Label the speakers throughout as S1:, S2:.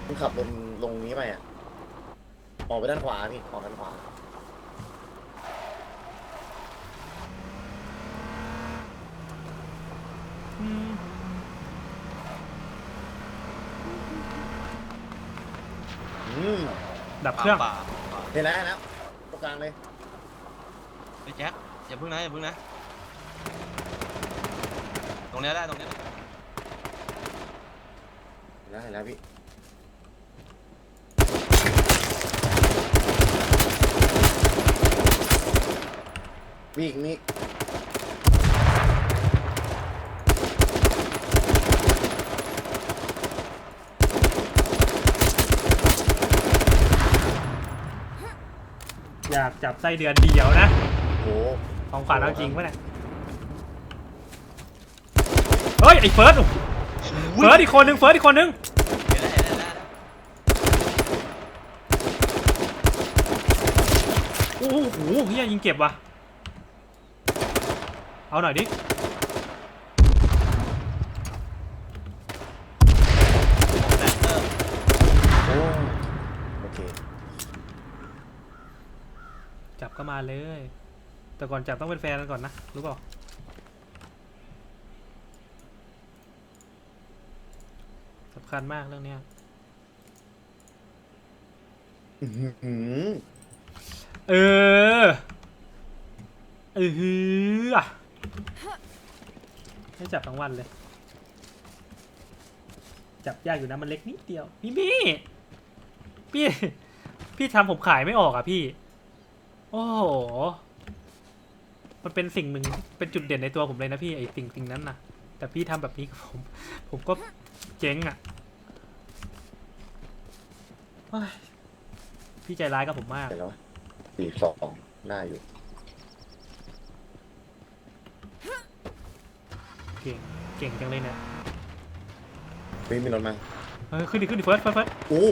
S1: คุณขับลงนี้ไปอ่ะออกไปด้านขวาพี่ออกด้านขวา
S2: ดับเครื่อง
S1: เห็นแล้วตรงกลางเลย
S3: ไปแจ็คอย่าพึ่งนะตรงนี้ได้ตรงนี้
S1: เห็นแล้วพี่มีอีก
S2: อยากจับไส้เดือนเดียวนะ
S1: โอ้
S2: ของขวัญเอาจริงปะเนี่ยเฮ้ยไอ้เฟิร์สอีกคนนึง
S3: เห็นแล้ว
S2: โอ้โหเฮียยิงเก็บว่ะเอาหน่อยดิ
S1: โอเค
S2: จับก็มาเลยแต่ก่อนจับต้องเป็นแฟนกันก่อนนะรู้เปล่าสำคัญมากเรื่องนี้เออให้จับทั้งวันเลยจับยากอยู่นะมันเล็กนิดเดียวพี่ทำผมขายไม่ออกอ่ะพี่โอ้โหมันเป็นสิ่งหนึ่งเป็นจุดเด่นในตัวผมเลยนะพี่ไอ้สิ่งนั้นนะแต่พี่ทำแบบนี้กับผมก็เจ๊งอ่ะพี่ใจร้ายกับผมมาก
S1: แล้ว42ได้อยู่
S2: เก่งจังเลยเนี่ย
S1: มีรถมา
S2: ขึ้นดิเฟิร์ส
S1: โอ้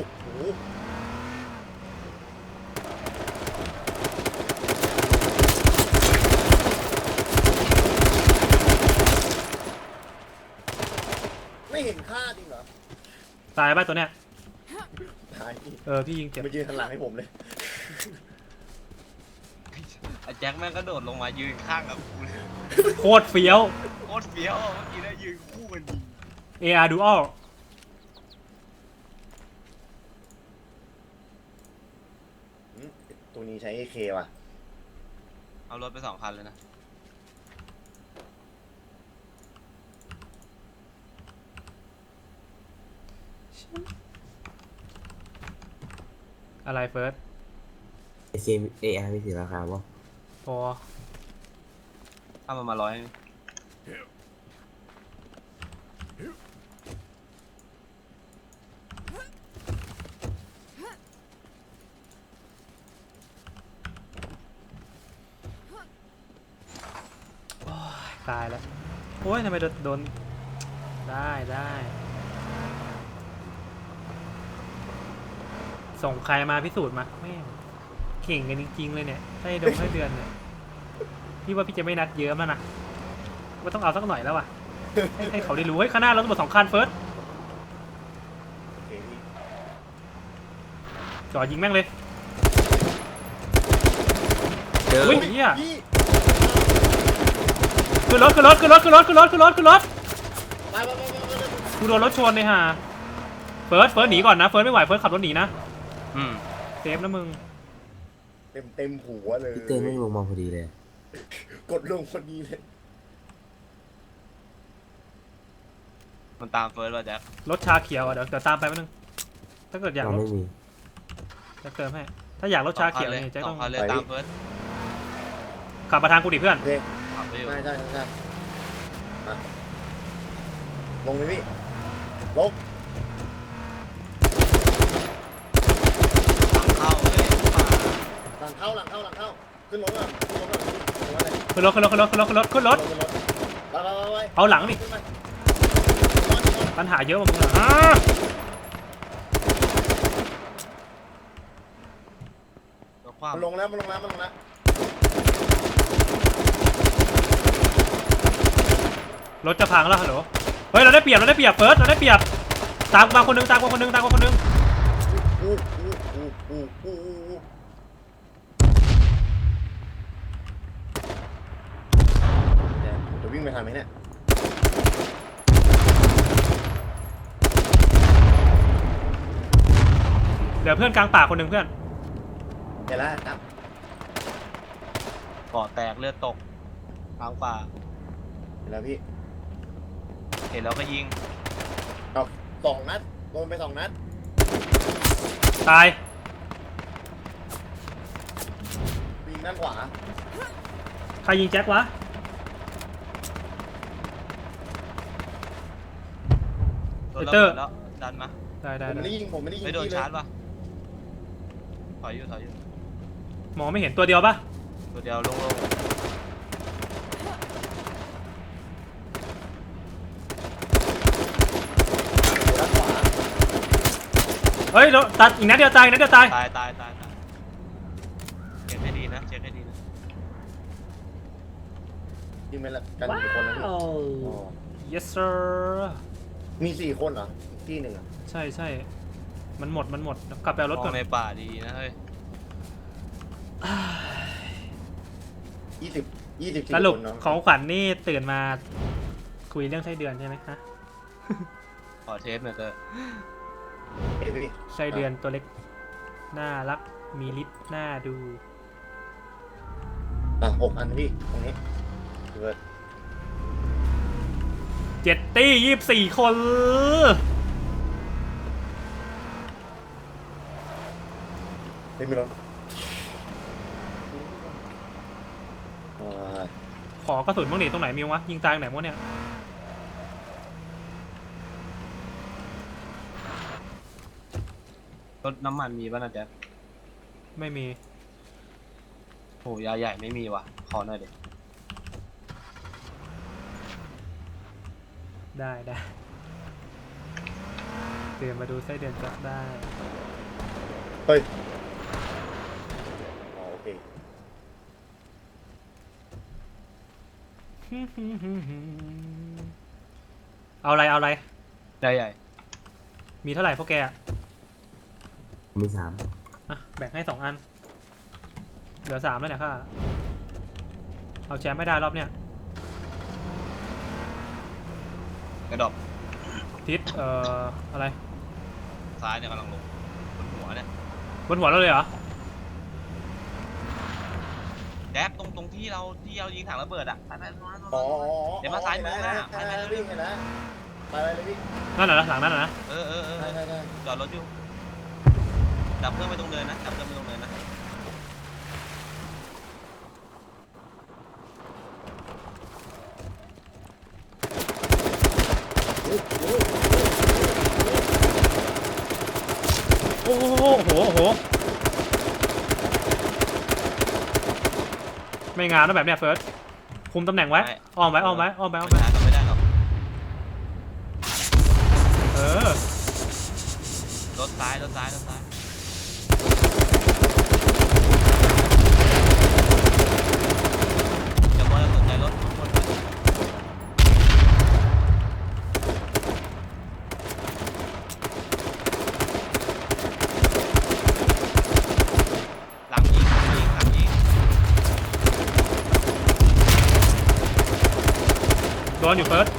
S1: ไม่เห็นค่าจริงเหรอ
S2: ตายป่ะตัวเนี้ย
S1: ตาย
S2: พี่ยิงเจ็บ
S1: มายืนหันหลังให้ผมเลย
S3: แจ็คแม่งก็โดดลงมายืนข้างกับกูเลย
S2: โคตรเฟี้ยว
S3: เมื่อกี้ได้ยืนคู่กันดี
S2: AR Dual
S1: ตัวนี้ใช้ AK ว่ะ
S3: เอารถไป2 คันเลยนะ
S2: อะไรเฟิร์ส
S4: AR มีสีราคาป่ะ
S2: พอ
S3: ถ้ามันมา100
S2: ตายแล้วโอ้ยทำไมโดนได้ส่งใครมาพิสูจน์มาแม่งเก่งกันจริงๆเลยเนี่ยให้เดือนเนี่ยพี่ว่าพี่จะไม่นัดเยอะมั้งนะว่าต้องเอาสักหน่อยแล้วว่ะให้เขาได้รู้ข้างหน้าเราต้องหมด2 คันเฟิร์สจ่อยิงแม่งเลยเฮ้ยเฮียขึ้นรถกูโดนรถชนเลยฮะเฟิร์สหนีก่อนนะเฟิร์สไม่ไหวเฟิร์สขับรถหนีนะเซฟนะมึง
S1: เต็มหัวเลย
S4: เตือนไม่ลงมาพอดีเลย
S1: กดลงพอดีเลย
S3: มันตามเฟิร์สว่ะแจ็ค
S2: รถชาเขียวเดี๋ยวตามไปแป๊บนึงถ้าเกิดอยาก
S4: ไม่มี
S2: จะเติมให้ถ้าอยากรถชาเขียวเนี่ยจะต้อง
S3: เลยตามเฟิร์ส
S2: ขับมาทางกูดิเพื่อน
S1: ใช่ลงไปพี่ลงหลังเข้าขึ้นรถ
S2: เอาหลังดิปัญหาเยอะมึง
S1: มันลงแล้ว
S2: รถจะพังแล้วฮัลโหลเฮ้ยเราได้เปรียบเฟิร์สเราได้เปรียบตามมาคนนึง
S1: จะวิ่งไปทางไหนเนี่ย
S2: เดี๋ยวเพื่อนกลางป่าคนหนึ่งเพื่อน
S1: เดี๋ยวแล้วครับ
S3: ก่อแตกเลือดตกทางป่า
S1: เดี๋ยวแล้วพี่
S3: เห็นแล้วก็ยิง
S1: เอา2 นัดโดนไป2 นัด
S2: ตาย
S1: ยิงด้านขวา
S2: ใครยิงแจ็ควะ
S3: โดน
S2: ไอ้เตอร์
S3: แล้วดันมา
S2: ได้ได้
S1: ผมไม่
S2: ได้
S1: ได้ยิงผมไม่ได้ยิง
S3: ไม่โดน
S1: พี่เลย
S3: ชาร์จปะถอยอยู่
S2: มองไม่เห็นตัวเดียวปะ
S3: ตัวเดียวโล่ง
S1: ด้านขวา
S2: เฮ้ยตัดอีกนัดเดียวตายอีกนัดเดียวตาย
S3: ๆตายเช็คให้ดีนะเช็คให้ดีนะ
S1: ยิงไปละกันกี่คนนะพี่อ๋อ
S2: yes sir
S1: มี4 คนเหรออีกที่หนึ่งอ่ะ
S2: ใช่ใช่มันหมดกลับไปเอารถ
S3: ม
S2: ก่
S3: อ
S2: อง น
S3: ในป่าดีนะเฮ้ย
S1: 24
S2: สรุป
S1: คนเนาะ
S2: ของขวัญนี่ตื่นมาคุยเรื่องไส้เดือนใช่ไหมฮะ
S3: ขอเทสหน่อยเตอร์
S1: เอ้ยพี่
S2: ไส้เดือนตัวเล็กน่ารักมีฤทธิ์น่าดู
S1: 6 อันพี่ตรงนี้เกิด
S2: 7 ตี้24 คน
S1: ไม่มีรถ
S2: ขอกระสุนบ้างดิตรงไหนมีวะยิงตายตรงไหนวะเนี่ย
S3: รถน้ำมันมีป่ะนะแจ๊ค
S2: ไม่มี
S3: โอ้ยาใหญ่ไม่มีว่ะขอหน่อยเด็
S2: ได้เดินมาดูไส้เดือนจับได้
S1: เฮ้ยอ๋อโอเค
S2: เอาอะไร
S3: ยาใหญ่
S2: มีเท่าไหร่พวกแกอะ
S4: มี3
S2: อ่ะแบ่งให้2 อัน เหลือ3แล้วเนี่ยค่ะ เอาแชมป์ไม่ได้รอบเนี้ย
S3: กระดอบ
S2: ทิศอะไร
S3: ซ้ายเนี่ยกำลังลงบนหัวเนี่ย
S2: บนหัวเราเลยเหรอ
S3: แจ๊คตรงที่เรายิงถังระเบิดอ่ะไปตรงนั้น
S1: อ๋อ
S3: เดี๋ยวมาซ้ายมือหน้า
S1: ไปเลยพี่เห็นแล้วไปเลยพี่
S2: นั่นเหรอหลังนั่นเหรอนะ
S3: เออ
S1: ได้
S3: จอดรถอยู่จับเพื่อนไปตรงเนินนะจับเพื่อนไปตรงเนินนะ
S2: โอ้โหไม่งานนะแบบเนี้ยเฟิร์สคุมตำแหน่งไว้อ้อมไว้
S3: ไม่ได้หรอก
S2: เออ
S3: รถซ้ายอย่ามัวแต่สนใจรถทุกคนหลังยิง
S2: โดนอยู่เฟิร์ส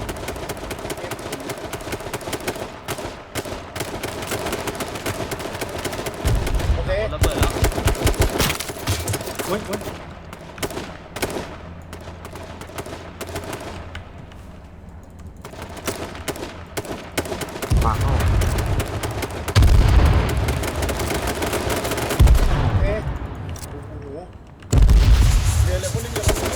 S1: โอเค
S3: ระเบิดแล้ว
S2: อุ้ย
S4: ปากเข้า
S1: โอเคโอ้โหเดี๋ยวเลยคนนึง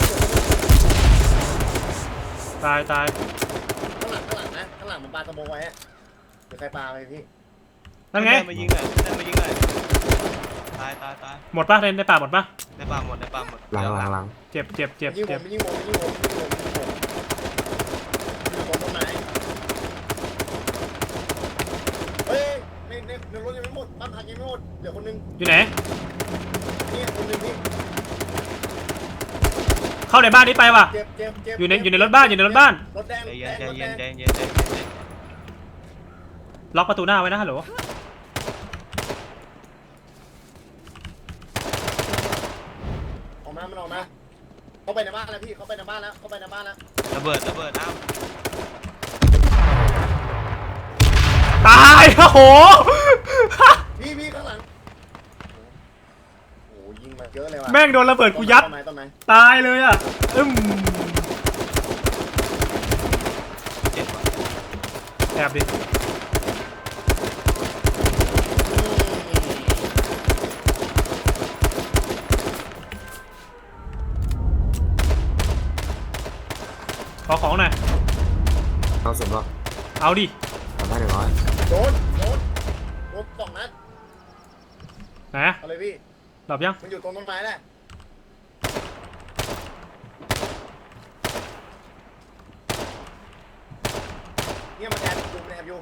S2: ตาย
S1: ข้างหลังนะข้างหลังมันปาสโมองไว้อะเดี๋ยวใครปาไปพี่
S2: นั่นไง
S3: มายิงหน่อยตาย
S2: หมดปะในป่าหมดปะ
S3: ในป่าหมด
S4: หลัง
S2: เจ็บ
S1: ยิงผมยิงผมอยู่บนต้นไม้เฮ้ยในรถยังไม่หมดบ้านพักยังไม่หมดเดี๋ยวคนนึง
S2: อยู่ไหน
S1: นี่คนนึงพี่
S2: เข้าในบ้านนี้ไปว่ะ
S1: เจ็บ
S2: อยู่ในรถบ้าน
S1: รถแดง
S3: ใจ
S1: รถ
S3: เย็
S1: แด
S3: น
S1: ง
S2: ล็อกประตูหน้าไว้นะฮัลโหล
S1: มันออกมาเข้าไปในบ้านแล้วพี่เข้าไปในบ้านแล้วเข้าไปในบ้านแล้ว
S3: ระเบิดอ้าว
S2: ตายโอ้โห
S1: พี่ข้างหลังโอ้ยิงมาเยอะเลยว่ะ
S2: แม่งโดนระเบิดกูยัด
S1: ต้นไม้
S2: ตายเลยอ่ะ
S3: เจ็บว่ะ
S2: แอบดิขอของหน่อย
S4: เอาสุดป่ะ
S2: เอาดิ
S4: ทำได้100
S1: โดนสองนัด
S2: นะ
S1: เอาเลยพี่
S2: หลับยัง
S1: มันอยู่ตรงต้นไม้แหละเนี่ยมันแอบอยู่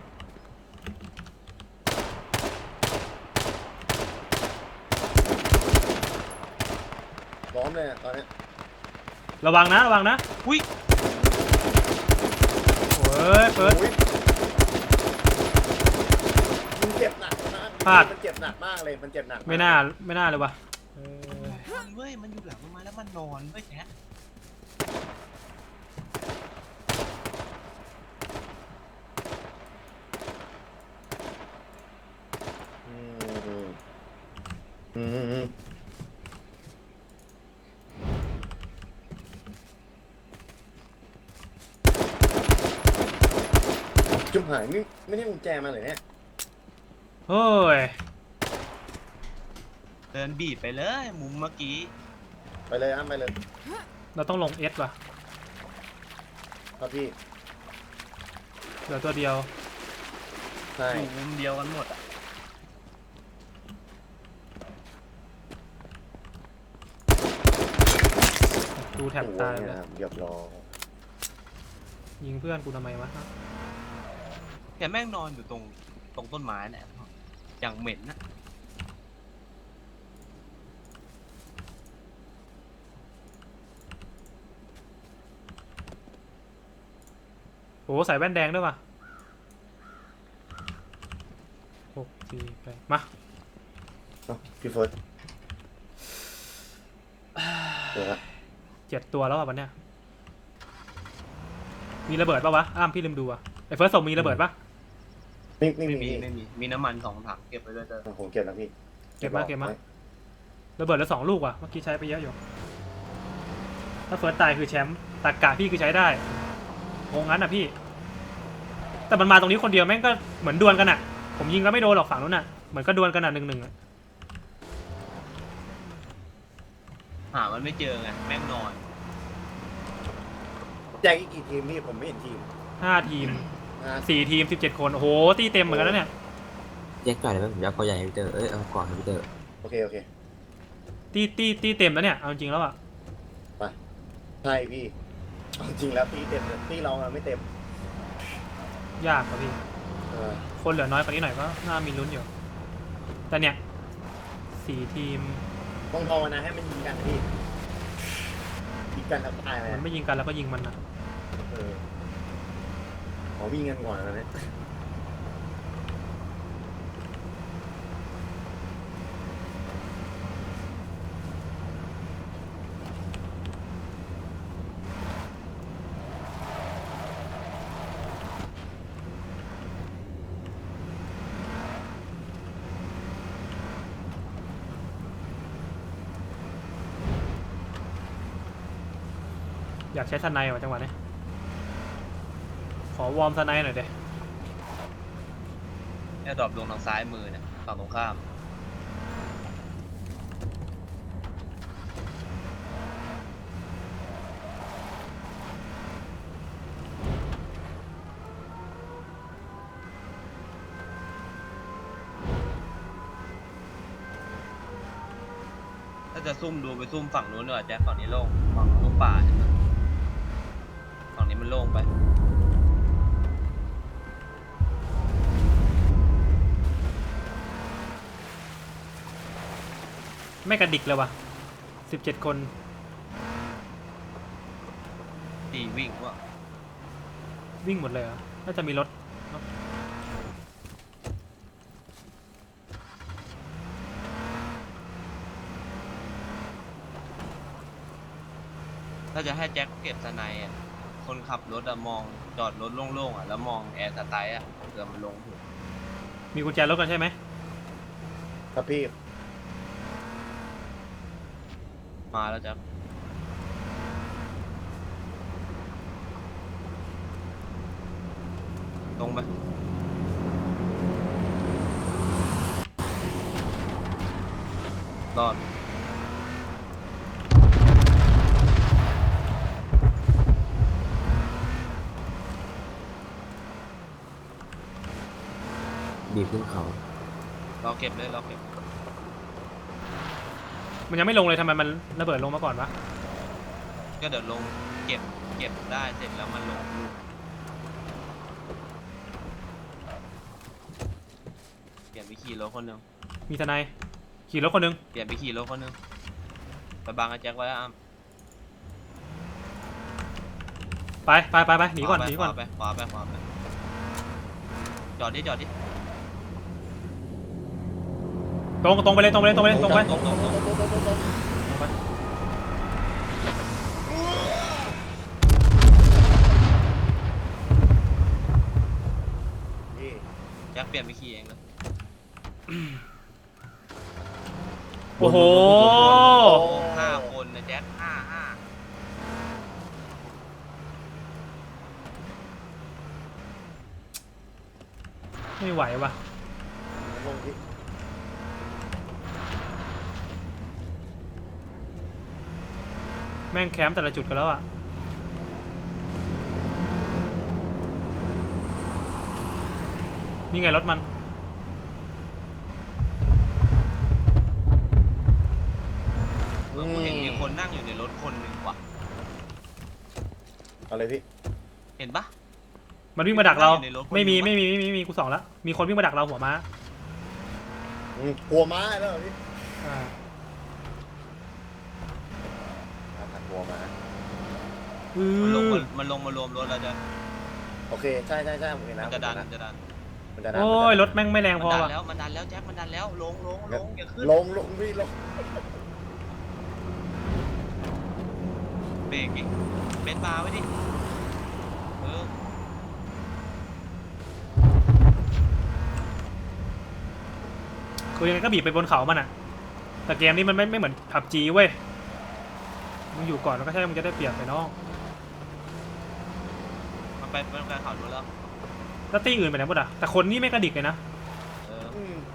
S1: ล้อมเลยอะตอนนี้
S2: ระวังนะ
S3: อุ้ย
S2: โอ้ยเปิด
S1: โอ้ยมันเจ็บหนักมาก
S2: พลาด
S1: มันเจ็บหนักมากเลยมันเจ็บหนักก
S2: ไม่น่าเลยว่ะ
S3: เว้ยมันอยู่หลังต้นไม้แล้วมันนอนเว้ยแจ๊ค
S1: อืมอืมจุ๊บหายไม่ได้กุญแจมาเลยเนี่ย
S2: โอ้ย
S3: เดินบีบไปเลยมุมเมื่อกี้
S1: ไปเลยอ้ำไปเลย
S2: เราต้องลงเอสว่ะ
S1: ครับพี่
S2: เหลือตัวเดียว
S1: ใช่
S3: อยู่มุมเดียวกันหมดอ่ะ
S2: ดูแถบตาย
S1: โอ้
S2: เลย
S1: นะครับเรียบร้อย
S2: ยิงเพื่อนกูทำไมวะ
S3: แกแม่งนอนอยู่ตรงต้นไม้เนี่ยอย่างเหม็นนะ
S2: โอ้ใส่แว่นแดงด้วยว่ะ6 4 8มา
S1: เอ้าพี่เฟิร์สเดี๋ยวนะ
S2: 7 ตัวแล้วอ่ะวันเนี้ยมีระเบิดปะวะอ้ามพี่ลืมดูอ่ะไอ้เฟิร์สส่งมีระเบิดปะ
S1: ไม่มี
S3: มีน้ำมัน2 ถังเก็บไปด้วยเถอะ
S1: ผมเก็บแล้วพี่
S2: เก็บมาระเบิดแล้ว2 ลูกว่ะเมื่อกี้ใช้ไปเยอะอยู่ถ้าเฟิร์สตายคือแชมป์ตากะพี่คือใช้ได้งงงั้นอ่ะพี่ แต่มันมาตรงนี้คนเดียวแม่งก็เหมือนดวลกันอ่ะผมยิงแล้วไม่โดนหรอกฝั่งนู้นอ่ะเหมือนก็ดวลกันอ่ะ1-1อ่ะ
S3: หามันไม่เจอไงแม่งนอน
S1: แจกอีกกี่ทีมพี่ผมไม่เห็นทีม
S2: 5 ทีม 4 ทีม 17 คนโอ้โหตีเต็มเหมือนกันแล้วเนี่ย
S4: แยกจ่อยเลยไหมผมอยากเอาใหญ่ให้พี่เตอร์เอาก่อนให้พี่เตอร์
S1: โอเค
S2: ตีเต็มแล้วเนี่ยเอาจริงแล้วอ่ะ
S1: ใช่พี่เอาจริงแล้วตีเต็มเลยตีเราอะไม่เต็ม
S2: ยากกว่าพี่
S1: เออ
S2: คนเหลือน้อยกว่านี้หน่อยก็น่ามีลุ้นอยู่ แต่เนี่ย4 ทีม
S1: ต้องภาวนาให้มันยิงกันนะพี่ยิงกันแล้วตายไหม
S2: มันไม่ยิงกันแล้วก็ยิงมันนะ
S1: เออขอวิ่งกันก่อนนะเนี่ย
S2: อยากใช้สไนด์ว่ะจังหวะนี้ขอวอร์มสไนด์หน่อยเด้
S3: แอร์ดรอปลงทางซ้ายมือเนี่ยฝั่งตรงข้ามถ้าจะซุ่มดูไปซุ่มฝั่งนู้นดีกว่าแจ๊คฝั่งนี้โล่งฝั่งตรงป่าเนี่ยฝั่งนี้มันโล่งไป
S2: ไม่กระดิกเลยว่ะ17 คน
S3: ตีวิ่งว่า
S2: วิ่งหมดเลยเหรอน่าจะมีรถ
S3: าจะให้แจ็คเก็บสไนด์อะคนขับรถอะมองจอดรถโล่งๆอะแล้วมองแอร์สไตล์อะเผื่อมันลงถูก
S2: มีกุญแจรถกันใช่ไหม
S1: ครับพี่
S3: มาแล้วแจ็คตรงไปรอด
S4: บีบขึ้นเขา
S3: เราเก็บเลยเราเก็บ
S2: มันยังไม่ลงเลยทำไมมันระเบิดลงมาก่อนวะ
S3: ก็เดี๋ยวลงเก็บได้เสร็จแล้วมันลงลูกเปลี่ยนไปขี่รถคนหนึ่ง
S2: มีทนายขี่รถคนหนึง
S3: เปลี่ยนไปขี่รถคนหนึ่งไปบังไอ้แจ็คไว้อ้าม
S2: ไปหนีก่อนหนีก่อน
S3: ขวาไปจอดดิ
S2: ตรงไปเลยตรงไป
S3: ตรง
S2: ไป
S3: ตรง
S1: พี่
S3: แจ็คเปลี่ยนไปขี่เองเลย
S2: โอ้โห
S3: 5 คนนะแจ็ค5
S2: ไม่ไหวว่ะ
S1: ลงพี่
S2: แม่งแคมป์แต่ละจุดกันแล้วอ่ะนี่ไงรถมัน
S3: กูเห็นมีคนนั่งอยู่ในรถคนหนึ่งว่ะ
S1: เอาเลยพี่
S3: เห็นปะ
S2: มันวิ่งมาดักเรา
S3: อยู่ในรถคน
S2: ไม่มี
S3: เดียวปะ
S2: ไม่มีกูสองแล้วมีคนวิ่งมาดักเราหัวม้า
S1: หัวม้าแล้วเหรอพี่
S2: อ่า
S1: หันหัวม้า
S3: มันลงมารวมรถแล้วจะ
S1: โอเคใช่ผมเห็น
S3: มั
S1: นะ
S3: นจะดัน
S1: มันจะดัน
S2: โอ้ยรถแม่งไม่แรงพอ
S3: มันดัน
S2: ว่ะ
S3: แล้วแจ็คมันดันแล้วลงอย่าขึ้น
S1: ลงพี่ลง
S3: เบรกดิเบนบาร์ไว้ดิเออ
S2: คือยังไงก็บีบไปบนเขามันอ่ะแต่เกมนี้มันไม่เหมือนผับจีเว้ยมึงอยู่ก่อนแล้วก็ใช่มึงจะได้เปรียบไปน้อง
S3: มันไปข่าวนู้นแล้ว
S2: แล้วตีอื่นไปไหนหมดอ่ะแต่คนนี่ไม่กระดิกเลยนะ
S3: เออ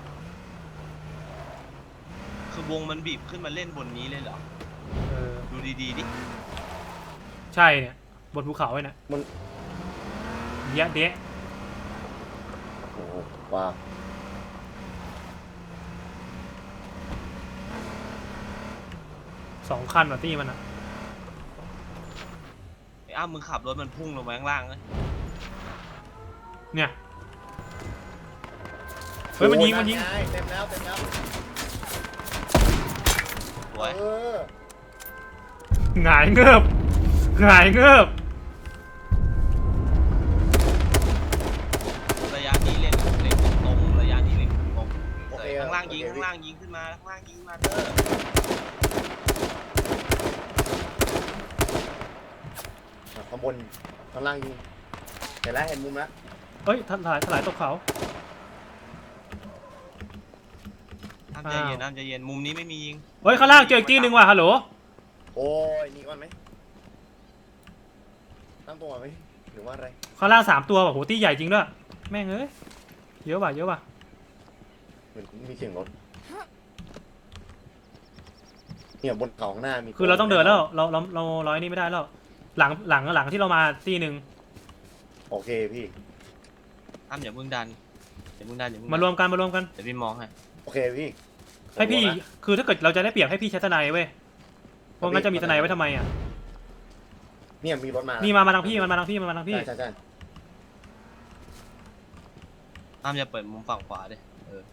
S3: คือวงมันบีบขึ้นมาเล่นบนนี้เลยเหรอ
S2: เออ
S3: ดูดีๆดิ
S2: ใช่เนี่ยบนภูเขาไว้น่ะ
S1: มัน
S2: เยอะเดะ
S1: โอ้โหว้าว
S2: 2 คันว่ะตีมันอ่ะ
S3: ไอ้อ้ามึงขับรถมันพุ่งลงมาข้างล่างเลย
S2: เนี่ยเฮ้ยมันยิง
S1: เต็มแล้ว
S3: สวย
S2: หงายเงือบ
S3: ระยะนี้เล่นตรงระยะนี้เล่นตรง
S1: โอเค
S3: ข้างล่างยิงขึ้นมาเด้อ
S1: ข้างบนข้างล่างยิงเห็นแล้วเห็นมุมแล้ว
S2: เฮ้ยถลายตกเขา
S3: น้ำใจเย็นมุมนี้ไม่มียิง
S2: เฮ้ยข้างล่างเจออีกที่หนึ่งว่ะฮัลโหล
S1: โอ้ยนี่ก่อนไหมตั้งตัวไหมหรือว่าอะไร
S2: ข้างล่าง3 ตัวว่ะโหตีใหญ่จริงด้วยแม่งเอ้ยเยอะว่ะ
S1: เหมือนมีเสียงรถเนี่ยบนเขาข้างหน้ามี
S2: คือเราต้องเดินแล้วเราร้อยนี่ไม่ได้แล้วหลังที่เรามาตีหนึ่ง
S1: โอเคพี่
S3: อ้ำอย่ามึงดัน
S2: มารวมกัน
S3: เดี๋ยวพี่มองให้
S1: โอเคพี่
S2: ให้พี่คือถ้าเกิดเราจะได้เปรียบให้พี่ใช้ทนายเว้ยเพราะงั้นจะมีทนายไว้ทำไมอ่ะ
S1: เนี่ยมีรถมา
S2: นี่มาทางพี่มันมาทางพี่
S1: ใช่
S3: อ้ำอย่าเปิดมุมฝั่งขวาดิ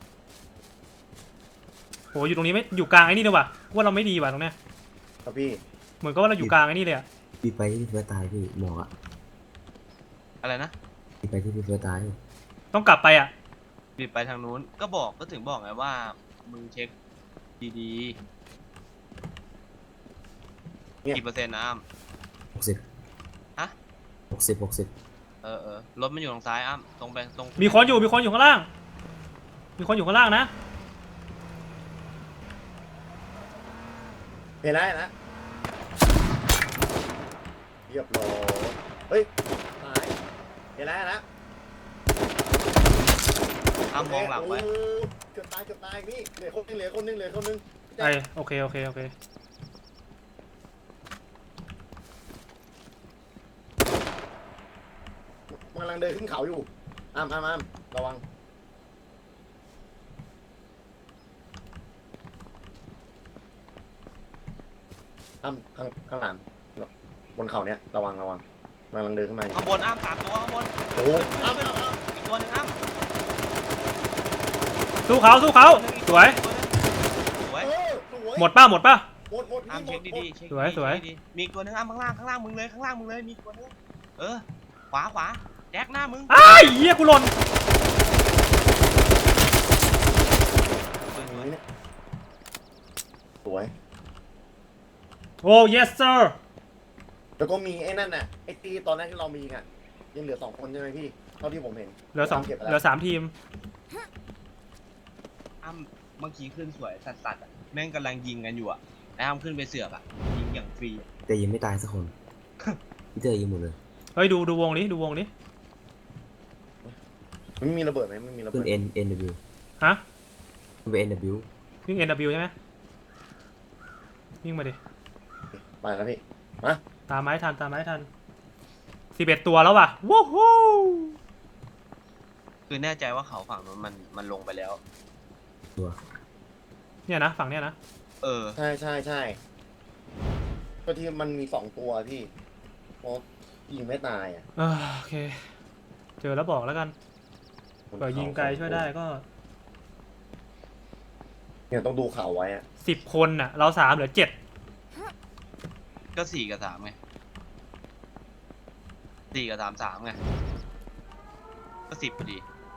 S2: โหอยู่ตรงนี้ไม่อยู่กลางไอ้นี่เลยว่ะว่าเราไม่ดีว่ะตรงเนี้ย
S1: ครับพี่
S2: เหมือนกับว่าเราอยู่กลางไอ้นี่เลยอ่ะ
S4: บีบไปที่พี่เฟิร์สตายพี่หมอกอะ
S3: อะไรนะ
S4: บีบไปที่พี่เฟิร์สตาย
S2: ต้องกลับไปอ่ะ
S3: บิดไปทางนู้นก็ถึงบอกไงว่ามึงเช็คดีๆกี่เปอร์เซ็นต์นะอ้ำ
S4: 60
S3: ฮะ
S4: 60
S3: รถมันอยู่ทางซ้ายอ้ำตรงไปตรง
S2: มีคนอยู่ข้างล่าง มีคนอยู่ข้างล่างนะ
S1: เห็นแล้วนะเรียบร้อยเฮ้ยหายเห็นแล้วนะ
S3: อ้ำมองหลังไว้
S1: โเกือบตายนี่เหลือคนนึง
S2: ไอโอเค
S1: มันกำลังเดินขึ้นเขาอยู่อ้ามระวังอ้ามข้างหลังบนเขาเนี้ยระวังมันกำลังเดินขึ้นมาอยู่
S3: ข้างบนอ้ำ3 ตัวข้างบน
S1: โอ้โหอ้าม
S3: อีกตัวหนึงอ้ำ
S2: สู้เขาสวย
S3: สวย
S1: สวย
S2: หมดป่ะ
S1: หมด
S3: อ้ำเช็คดีๆเช็ค
S2: สวย
S3: ดีๆมีอีกตัวหนึงอ้ำข้างล่างมึงเลยมีอีกตัวหนึงขวาแจ็คหน้ามึง
S2: อ้ายเหี้ยกูหล่น
S1: สวย
S2: โอ้ yes sir
S1: แล้วก็มีไอ้นั่นน่ะไอ้ตีตอนแรกที่เรามีอ่ะยังเหลือ2 คนใช่ไหมพี่เท่าที่ผมเห็น
S2: เหลือ
S1: เก็บไป
S2: 3 เหลื
S1: แล้
S2: อ
S1: ว
S2: 3 ทีม
S3: อ้ำเมื่อกี้ขึ้นสวยสัตว์แม่งกำลังยิงกันอยู่ไอ้อ้ำขึ้นไปเสือกยิงอย่างฟรี
S4: แต่ยังไม่ตายสักคน พี่เตอร์ยิงหมดเลย
S2: เฮ้ยดูวงนี้
S1: ไม่มีระเบิดไหมไม่มีระ
S4: ขึ้
S1: เบิ
S4: น
S1: ด
S4: NW
S2: ฮะ
S4: ขึ้นไป NW
S2: วิ่ง NW ใช่ไหมวิ่งมาดิ
S1: ไปแล้วพี่มา
S2: ตามไม้ทัน11 ตัวแล้วว่ะวู้ฮู้
S3: คือแน่ใจว่าเขาฝั่งนู้นมันลงไปแล้ว
S4: ตัว
S2: เนี่ยนะฝั่งเนี้ยนะ
S1: ใช่ก็ที่มันมี2 ตัวพี่เพราะยิงไม่ตายอ่ะ
S2: โอเค เจอแล้วบอกแล้วกันเผื่อยิงไกลช่วยได้ก็
S1: เนี่ยต้องดูเขาไว้อ่ะ
S2: 10 คนน่ะ เรา3เหลือ 7
S3: ก็4 กับ 3ไง4 กับ 3 ไงก็10พอดี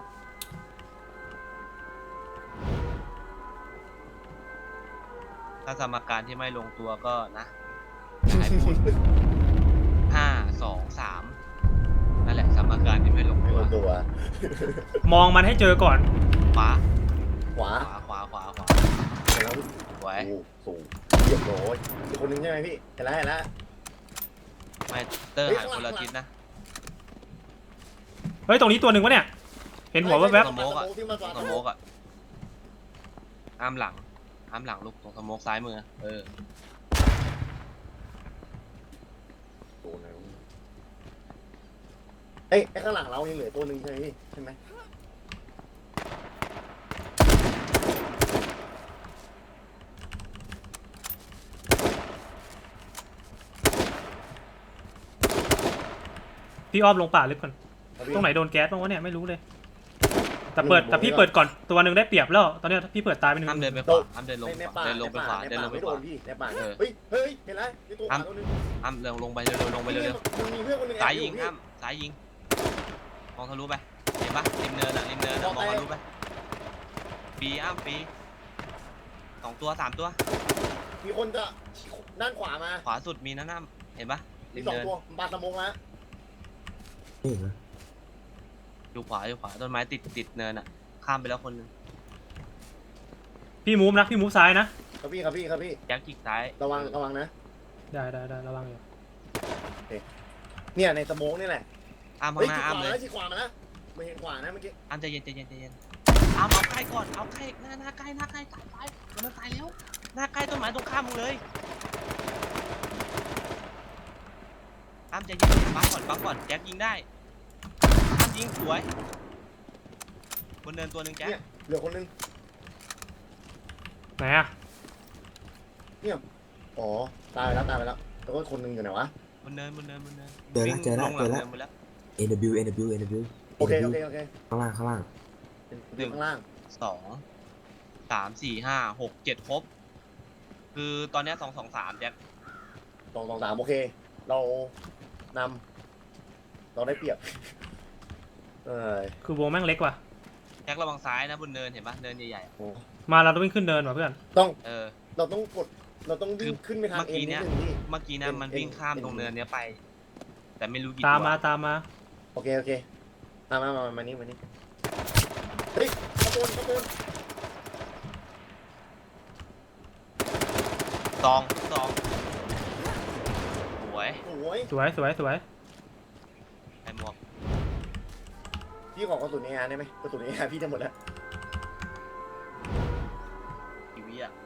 S3: ถ้าสมการที่ไม่ลงตัวก็นะอย่าให้พูด5 2 3นั่นแหละสมการที่ไม่ลง
S1: ไม่
S3: ตัว
S1: รู้ตัว
S2: มองมันให้เจอก่อน
S3: ขวา
S1: ขวา
S3: เห็นแล้ว
S1: แล้ว
S3: สวย
S1: โอ้สูงเรียบร้อยอีกคนนึงใช่ไหมพี่เห็นแล้ว
S3: ไม่เตอร์หายคนละทิศนะ
S2: เฮ้ย ตรงนี้ตัวหนึ่งวะเนี่ย เห็นหัวแวบ
S3: สโมกอะ
S1: ที่มา
S3: ตรงสโมกอ่ะอ้ามหลังลูกตรงสโมกซ้ายมือ
S1: ไอ้ข้างหลังเรายังเหลือตัวหนึ่งใช่ไหมพี่ใช่ไหม
S2: ๆพี่อ้อมลงป่าลึกก่อน ตรงไหนโดนแก๊สบ้างวะเนี่ยไม่รู้เลย แต่พี่เปิดก่อนตัวหนึ่งได้เปรียบแล้ว ตอนเนี้ยพี่เปิดตายไปหนึ่ง
S3: อ้ามเดินไปขวาอ้ามเดินลง
S1: ในป่า
S3: เดินลงไปขวา
S1: ใน
S3: เดินล
S1: ป่าง
S3: ไป
S1: ไม่
S3: ข
S1: โด
S3: วาน
S1: พี่ในป่า
S3: เออ
S1: เฮ้ยเห็นแล้วนี่ตัวขวาตัวนึง
S3: อ้ามเดินลงไปเร็วลงไปเร็ว
S1: มันมีเพื่อนคนนึง
S3: ซ้ายยิงอ้ามซ้ายยิงมองทะลุไปเห็นปะริมเนินมองทะลุไปปีอ้ามปี2 ตัว 3 ตัว
S1: มีคนจะด้านขวามา
S3: ขวาสุดมีนะอ้ามเห็นปะ
S1: มี
S3: ริม
S1: 2
S3: เนิน
S1: ตัวบาดสมองแล้ว
S4: นี่เหรอ
S3: อยู่ขวาต้นไม้ติดเนินข้ามไปแล้วคนนึง
S2: พี่มูฟซ้ายนะ
S1: ครับพี่
S3: แจ็คจิกซ้าย
S1: ระวังนะ
S2: ได้ระวังอยู่
S1: เนี่ยในสมองนี่แหละ
S3: อ้าม
S1: เฮ้
S3: ข้าย งหน้าอ้ามเลย
S1: ชี้ขวามานะไม่เห็นขวานะเมื่อกี้
S3: อ้ามใจเย็นอ้ามเอาใกล้ก่อนเอาใกล้หน้าใกล้ตายมันตายแล้วหน้าใกล้ต้นไม้ตรงข้ามมึงเลยอ้ามใจเย็นบังก่อนแจ็คยิงได้อ้ามยิงสวยบนเนินตัวหนึ่งแจ็ค
S1: เนี่ยเหลือคนนึง
S2: ไหนอะ
S1: อ๋อตายไปแล้วแล้วก็คนนึงอยู่ไหนวะ
S3: บนเนิน
S4: เจอแล้ว
S3: วิ่งงหงเนินไปแล้ว
S4: NW
S1: โอเค
S4: ข้างล่าง
S1: ข้างล่าง
S3: 2 3 4 5 6 7ครบคือตอนเนี้ย2 2 3แจ็ค
S1: 2 2 3โอเคเรานำเราได้เปรียบ
S2: คือวงแม่งเล็กว่ะ
S3: แจ็คระวังซ้ายนะบนเนินเห็นปะเนินใหญ่ๆ
S1: โอ้
S2: มาเราต้องวิ่งขึ้นเนินว่ะเพื่อน
S1: ต้อง
S3: เออ
S1: เราต้องกดเราต้องวิ่งขึ้นไปทาง
S3: เมื่อ
S1: เอ็น
S3: กี้
S1: นิ
S3: เนี้
S1: ด
S3: ย
S1: นึงพี่
S3: เมื่อกี้นะมันวิ่งข้ามตรงเนินเนี้ยไป แต่ไม่รู้กี่
S2: ตาม
S3: ตัว
S2: มาตามมา
S1: โอเคโอเคมานี่เฮ้ยขบวน
S3: ซองสวย
S1: โอ้ย
S2: สวยสวยสวย
S3: ไอ้หมวก
S1: พี่ขอกระสุนเออาร์ได้ไหมกระสุนเออาร์พี่จะหมดแล้ว
S3: ทีวีอะ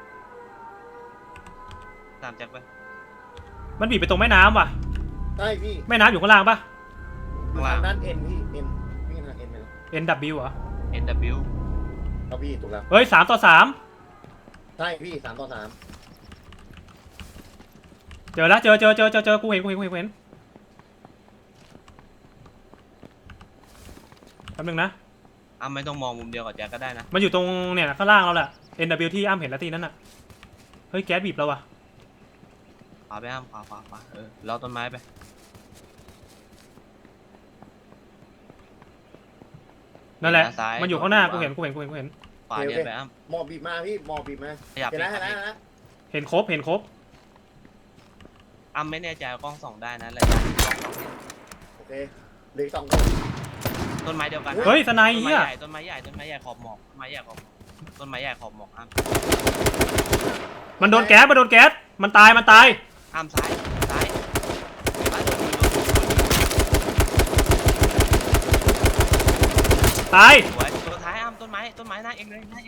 S3: ตามแจ็คไป
S2: มันบีบไปตรงแม่น้ำว่ะ
S1: ใช่พี่
S2: แม่น้ำอยู่ข้างล่างปะ
S1: อยู่ทางด้านเอ็นพี่เอ็นวิ่งทางเอ็นไปแล้ว
S2: NW เหรอ
S3: NW
S1: เอาพี่ถูกแล้ว
S2: เฮ้ย3 ต่อ
S1: ใช่พี่3 ต่อ 3
S2: 3เจอแล้วเจอกูเห็นแป๊บนึงนะ
S3: อ้ำไม่ต้องมองมุมเดียวกับแจ็คก็ได้นะ
S2: มันอยู่ตรงเนี่ยข้างล่างเราแหละ NW ที่อ้ำเห็นแล้วทีนั้นน่ะเฮ้ยแก๊สบีบเราว่ะ
S3: ขวาไปอ้ำขวาเราต้นไม้ไป
S2: นั่นแหละ
S3: เห็นนะซ้าย
S2: มันอยู่ข้างหน้า
S3: ข
S2: กู
S3: วา
S2: เห็น
S3: ขวาเดินไปอ้ำ
S1: หมอบบีบมาพี่หมอบบีบมา
S3: ขยับ
S1: เห็นแล้ว
S3: ไป
S1: เห็นแล้ว
S2: เห็นครบ
S3: อ้ำไม่แน่ใจว่ากล้องส่องได้นะระยะที่กล้องส่องเห็น
S1: โอเคเหลืออก2 คน
S3: ต้นไม้เดียวกัน
S2: เฮ้ยสไน
S3: ต้นไม้
S2: เหี้ย
S3: ใหญ่ต้นไม้ใหญ่ขอบหมอกต้นไม้ใหญ่ขอบหมอกอ้ำ
S2: มันโดนแก๊สมันตาย
S3: อ้ำซ้ายซ้ายโดน
S2: ตาย
S3: สวยตัวท้ายอ้ำต้นไม้หน้าเองเลยอ้ำ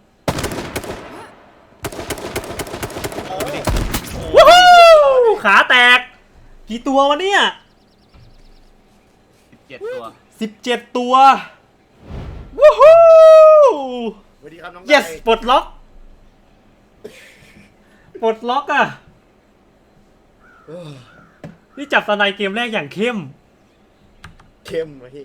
S1: เออ
S2: วู้ฮู้ขาแตก กี่ตัววะเนี่ย
S3: 17 ตัว
S2: 17 ตัววู้ฮู้
S1: สวัสดีครับน้อง
S2: yes ปลดล็อกอ่ะ
S1: เออ
S2: นี่จับสไนเกมแรกอย่างเข้ม
S1: เข้มมาพี่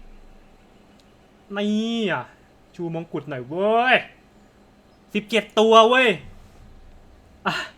S2: นี่อ่ะ ชูมงกุฎหน่อยเว้ย 17 ตัวเว้ย อ่ะ